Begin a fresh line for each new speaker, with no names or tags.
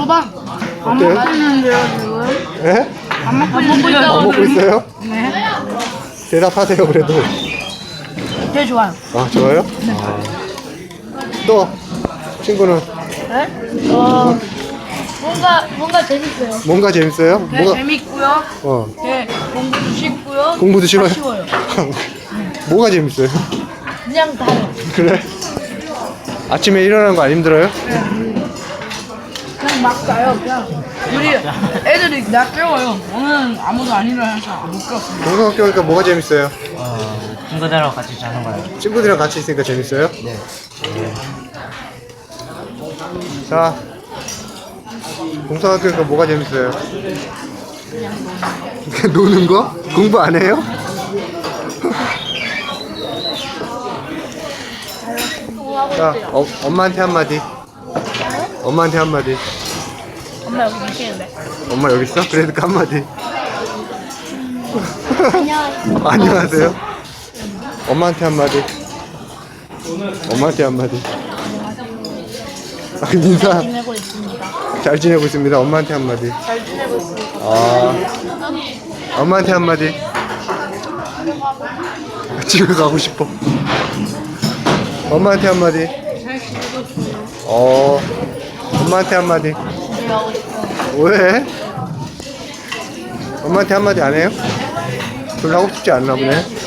먹어봐. 안
어때요?
먹겠는데요 지금?
예?
안 먹고 있다고.
안 먹고 있어요?
네.
대답하세요 그래도.
되게 좋아요.
아 좋아요? 아. 또 친구는
네? 뭔가 재밌어요.
뭔가 재밌어요?
되게
뭐가
재밌고요.
어
되게 공부도 쉽고요.
공부도 쉬워요?
다 쉬워요.
뭐가 재밌어요?
그냥 다요.
그래? 아침에 일어나는 거 안 힘들어요?
그냥 막 가요. 그냥 우리 애들이 나 깨워요. 오늘 아무도 안 일어나서 못 깨웠습니다.
동성학교 오니까 뭐가 재밌어요?
친구들하고 같이 자는 거예요.
친구들이랑 같이 있으니까 재밌어요?
네.
자, 동성학교 오니까 뭐가 재밌어요? 노는 거? 공부 안 해요? 자, 엄마한테 한마디. 엄마한테 한마디.
엄마 여기 계시는데.
엄마 여기 있어? 그래도 한마디.
안녕하세요.
안녕하세요. 엄마한테 한마디. 엄마한테 한마디. 인사.
지내고 있습니다.
잘 지내고 있습니다. 엄마한테 한마디.
잘 지내고 있습니다.
아, 엄마한테 한마디. 집에 가고 싶어. 엄마한테 한마디. 엄마한테 한마디.
집에 가고 싶어요.
왜? 엄마한테 한마디 안 해요? 별로 하고 싶지 않나 보네.